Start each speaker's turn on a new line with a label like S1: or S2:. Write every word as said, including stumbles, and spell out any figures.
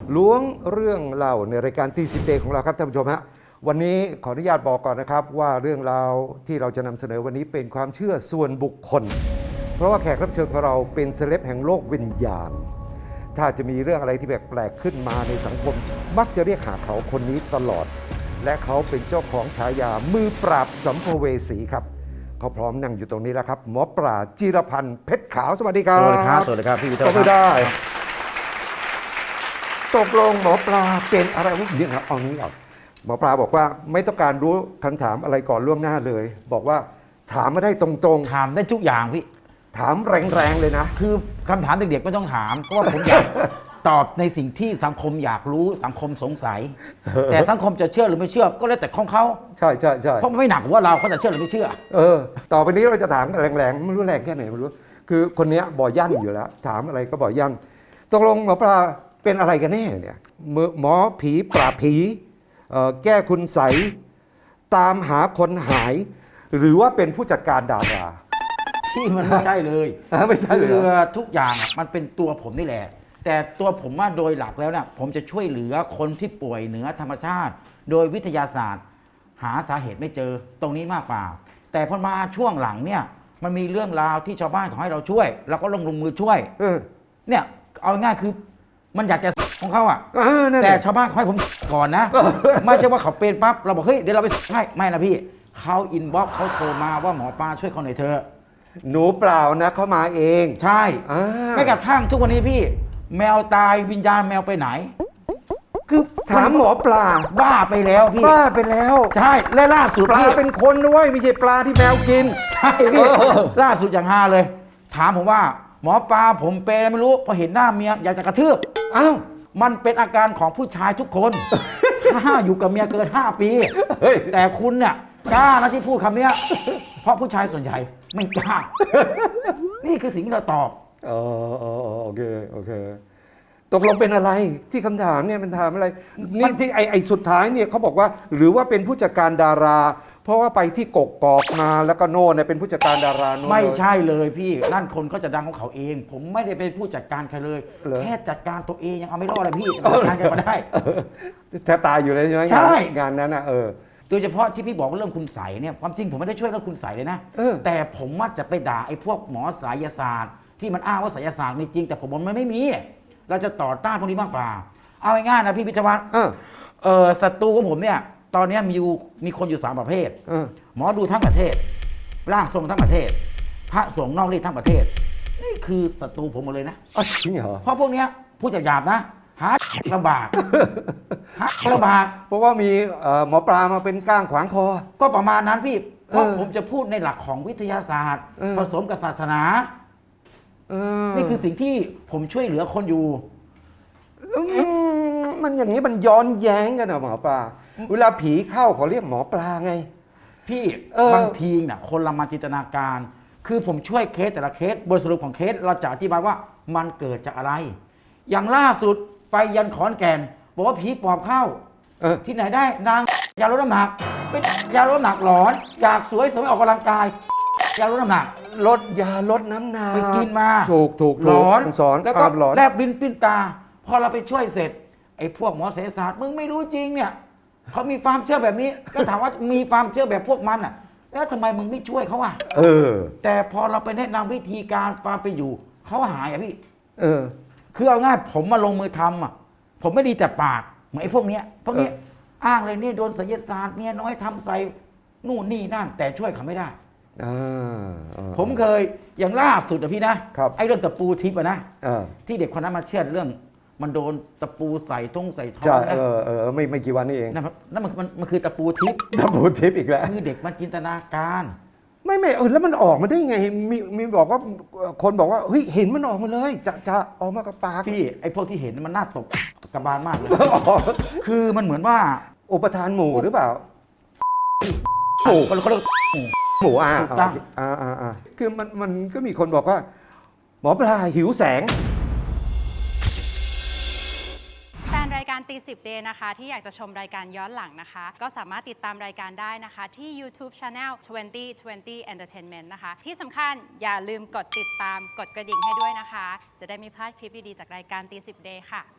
S1: ล้วงเรื่องเล่าในรายการตีสิบเดย์ของเราครับท่านผู้ชมฮะวันนี้ขออนุญาตบอกก่อนนะครับว่าเรื่องราวที่เราจะนำเสนอวันนี้เป็นความเชื่อส่วนบุคคลเพราะว่าแขกรับเชิญของเราเป็นเซเลบแห่งโลกวิญญาณถ้าจะมีเรื่องอะไรที่แปลกๆขึ้นมาในสังคมมักจะเรียกหาเขาคนนี้ตลอดและเขาเป็นเจ้าของฉายามือปราบสัมภเวสีครับเขาพร้อมนั่งอยู่ตรงนี้แล้วครับหมอปลาจิรพันธ์เพชรขาวสวัสดีครับ
S2: สวัสดีครับสวัสดีครับพี่วิทย์
S1: ตบมือได้ตกลงหมอปลาเป็นอะไรวะเดี๋ยวครับเอานี้ก่อนหมอปลาบอกว่าไม่ต้องการรู้คำถามอะไรก่อนล่วงหน้าเลยบอกว่าถามมาได้ตรงๆ
S2: ถามได้ทุกอย่างพี่
S1: ถามแรงๆเลยนะ
S2: คือคำถามเด็กๆไม่ต้องถามเพราะว่าผมอยาก ตอบในสิ่งที่สังคมอยากรู้สังคมสงสัย แต่สังคมจะเชื่อหรือไม่เชื่อก็แล้วแต่ของเขา
S1: ใช่ใช่ใช่
S2: เพราะมันไม่หนักว่าเราเขาจะเชื่อหรือไม่เชื่อ
S1: เออต่อไปนี้เราจะถามกันแรงๆไม่รู้แรงแค่ไหนไม่รู้คือคนเนี้ยบ่อยั่นอยู่แล้ว ถามอะไรก็บ่อยั่นตกลงหมอปลาเป็นอะไรกันแน่เนี่ยหมอผีปราบผีเอ่อแก้คุณใสยตามหาคนหาย หรือว่าเป็นผู้จัดการดารา
S2: ที่มันไม่ใช่เลย
S1: ไม่ใช่เลย
S2: คือ
S1: เหรอ
S2: ทุกอย่างอะมันเป็นตัวผมนี่แหละ แต่ตัวผมว่าโดยหลักแล้วเนี่ยผมจะช่วยเหลือคนที่ป่วยเหนือธรรมชาติ โดยวิทยาศาสตร์ หาสาเหตุไม่เจอตรงนี้มากกว่าแต่พอมาช่วงหลังเนี่ยมันมีเรื่องราวที่ชาวบ้านขอให้เราช่วยเราก็ลงลงมือช่วย
S1: เออ
S2: เนี่ยเอาง่ายๆคือมันอยากจะของเขาอ่ะ
S1: เออนั่น
S2: แต่
S1: แหละ
S2: ชาวบ้านเขาให้ผมก่อนนะ ไม่ใช่ว่าเขาเป็นปั๊บเราบอกเฮ้ยเดี๋ยวเราไปให้ไม่นะพี่เขาอินบ็อกซ์เขาโทรมาว่าหมอปลาช่วยเขาหน่อยเถอะ
S1: หนูเปล่านะเขามาเอง
S2: ใช่
S1: อ่า
S2: ไม่กระทั่งทุกวันนี้พี่ แมวตายวิญญาณแมวไปไหน คือ
S1: ถามหมอปลา
S2: บ้าไปแล้วพี่
S1: บ้าไปแล้ว
S2: ใช่และล่าสุด
S1: ปลา
S2: พี่
S1: เป็นคนด้วยไม่ใช่ปลาที่แมวกิน
S2: ใช่พี่
S1: เออ
S2: ล่าสุดอย่างฮาเลย ถามผมว่าหมอปลาผมเป็นอะไรไม่รู้พอเห็นหน้าเมียอยากจะกระทืบ
S1: อ้าว
S2: มันเป็นอาการของผู้ชายทุกคน ถ้าอยู่กับเมียเกินห้าปี
S1: เฮ้ย
S2: แต่คุณเนี่ยกล้านะที่พูดคำเนี้ย เพราะผู้ชายส่วนใหญ่ไม่กล้า นี่คือสิ่งที่เราตอบ
S1: อ๋ออ๋ออ๋อโอเคโอเคตกลงเป็นอะไรที่คำถามเนี่ยมันถามอะไรนี่ที่ไอไอสุดท้ายเนี่ยเขาบอกว่าหรือว่าเป็นผู้จัดการดารา เพราะว่าไปที่กกกอกมาแล้วก็โน่นเนี่ยเป็นผู้จัดการดาราโน่น
S2: ไม่
S1: เลย
S2: ใช่เลยพี่นั่นคนเขาจะดังของเขาเอง ผมไม่ได้เป็นผู้จัดการใครเลย
S1: เหรอ
S2: แค่จัดการตัวเองยังเอาไม่รอดเลยพี่จะจัดการใครมาได้
S1: แทบตายอยู่เลยใช่ไหม
S2: ใช่
S1: งานงานนั้นอ่ะเออ
S2: โดยเฉพาะที่พี่บอกเรื่องคุณใสยเนี่ยความจริงผมไม่ได้ช่วยเรื่องคุณใสยเลยนะ
S1: เออ
S2: แต่ผมว่าจะไปด่าไอ้พวกหมอไสยศาสตร์ ที่มันอ้างว่าไสยศาสตร์มีจริงแต่ผมบอกมันไม่มี เราจะต่อต้านพวกนี้มากกว่าเอาง่ายๆนะพี่พิทวัฒน์
S1: เออ
S2: เออศัตรูของผมเนี่ยตอนนี้มีอยู่มีคนอยู่สามประเภท
S1: เออ
S2: หมอดูทั้งประเทศร่างทรงทั้งประเทศ พระสงฆ์นอกรีดทั้งประเทศ นี่คือศัตรูผมหมดเลยนะ
S1: อ๋อจริงเหรอ
S2: เพราะพวกเนี้ยพูดหยาบๆนะหาลำบากหาลำบาก
S1: เพราะว่ามีเอ่อหมอปลามาเป็นก้างขวางคอ
S2: ก็ประมาณนั้นพี่ เพราะ
S1: เออ
S2: ผมจะพูดในหลักของวิทยาศาสตร์
S1: เออ
S2: ผสมกับศาสนา
S1: เออ
S2: นี่คือสิ่งที่ผมช่วยเหลือคนอยู่
S1: อืมมันอย่างนี้มันย้อนแย้งกันเหรอหมอปลาเวลาผีเข้าเขาเรียกหมอปลาไง
S2: พี่
S1: เออ
S2: บางทีน่ะคนละมาจินตนาการ คือผมช่วยเคสแต่ละเคสบทสรุปของเคสเราจะอธิบายว่ามันเกิดจากอะไร อย่างล่าสุดไปยันขอนแก่นบอกว่าผีปอบเข้า
S1: เออ
S2: ที่ไหนได้นางยาลดน้ำหนักเป็นยาลดน้ำหนักหลอน อยากสวยสวยออกกำลังกายยาลดน้ำหนัก
S1: ลดยาลดน้ำหนัก
S2: ไปกินมา
S1: ถูกถูก
S2: หล
S1: ถูก
S2: อน
S1: มันสอน
S2: แล้วก็
S1: ภาพหลอน
S2: แลบลิ้นปิ้นตา พอเราไปช่วยเสร็จ ไอ้พวกหมอเสศาสตร์มึงไม่รู้จริงเนี่ยเขามีความเชื่อแบบนี้แล้วถามว่ามีความเชื่อแบบพวกมันอ่ะ แล้วทำไมมึงไม่ช่วยเขาอ่ะ
S1: เออ
S2: แต่พอเราไปแนะนำวิธีการความเป็นอยู่เขาหายอ่ะพี่
S1: เออ
S2: คือเอาง่ายผมมาลงมือทำอ่ะผมไม่ดีแต่ปากเหมือนไอ้พวกเนี้ยพวกเนี้ย
S1: เออ
S2: อ้างเลยนี่โดนไสยศาสตร์เมียน้อยทำใส่นู่นนี่นั่น แต่ช่วยเขาไม่ได้
S1: อ่าอ่า
S2: ผมเคยอย่างล่าสุดอะพี่นะครับ ไอ้เรื่องตะปูทิพย์อะนะ
S1: อ่า
S2: ที่เด็กคนนั้นมาเชื่อเรื่อง มันโดนตะปูใส่ทงใส่ท้อ
S1: ใช่
S2: งนะ
S1: เออเออไม่ไม่กี่วันนี่เอง
S2: นั่นมันนั่นมันมันมันคือตะปูทิพย์
S1: ดับบูทิปอีกแล้ว
S2: คือเด็กมันจินตนาการ
S1: ไม่ไม่เออแล้วมันออกมาได้ไงมีมีบอกว่าคนบอกว่าเฮ้ยเห็นมันออกมาเลย จะจะออกมากับปาก
S2: พี่ไอ้พวกที่เห็นมันน่าตกกระบาลมากเลย คือมันเหมือนว่า
S1: อุปทานหมู่หรือเปล่า
S2: หมูเขาเขาเรียก
S1: หมู่อ่า
S2: ถูกต้อง
S1: อ่าอ่าอ่าคือมันมันก็มีคนบอกว่า หมอปลาหิวแสง
S3: แฟนรายการตีสิบเดย์นะคะที่อยากจะชมรายการย้อนหลังนะคะ ก็สามารถติดตามรายการได้นะคะที่ YouTube Channel ยี่สิบ ยี่สิบ Entertainment นะคะ ที่สำคัญอย่าลืมกดติดตามกดกระดิ่งให้ด้วยนะคะ จะได้ไม่พลาดคลิปดีๆจากรายการตีสิบเดย์ค่ะ